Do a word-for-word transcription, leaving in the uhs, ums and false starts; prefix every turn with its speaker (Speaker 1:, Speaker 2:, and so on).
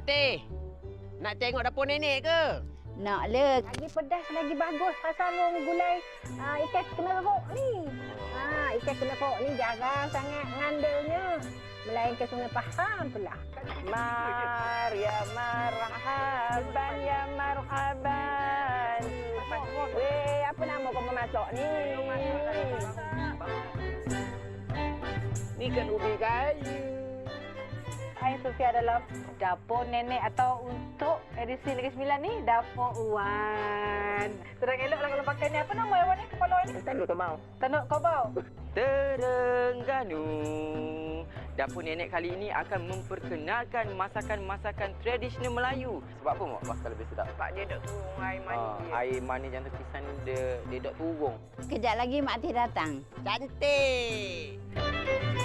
Speaker 1: Mak Teh, nak tengok dapur nenek ke?
Speaker 2: Nak le. Lagi pedas, lagi bagus. Pasal rong gulai uh, ikan kena rok ni. Ha, ikan kena rok ni jarang sangat ngandilnya. Melainkan Sungai Pahang pula.
Speaker 3: Mar ya marhaban ya marhaban. Weh, apa nama kau memasak ni?
Speaker 1: Ni kan ubi kayu.
Speaker 3: Hai Sofia dalam dapur nenek atau untuk edisi Negeri Sembilan ni dapur Wan. Terang eloklah kalau pakai ni. Apa nama Wan ni? Kepala Wan ni?
Speaker 1: Tanduk kau mau.
Speaker 3: Tanduk Kobau.
Speaker 4: Terengganu. Dapur nenek kali ini akan memperkenalkan masakan-masakan tradisional Melayu. Sebab apa mak bakal lebih sedap?
Speaker 1: Sebab dia dok turun air mani.
Speaker 4: Ha, air mani jangan terkisan dia dia dok turun.
Speaker 2: Kejap lagi Mak Teh datang.
Speaker 1: Cantik.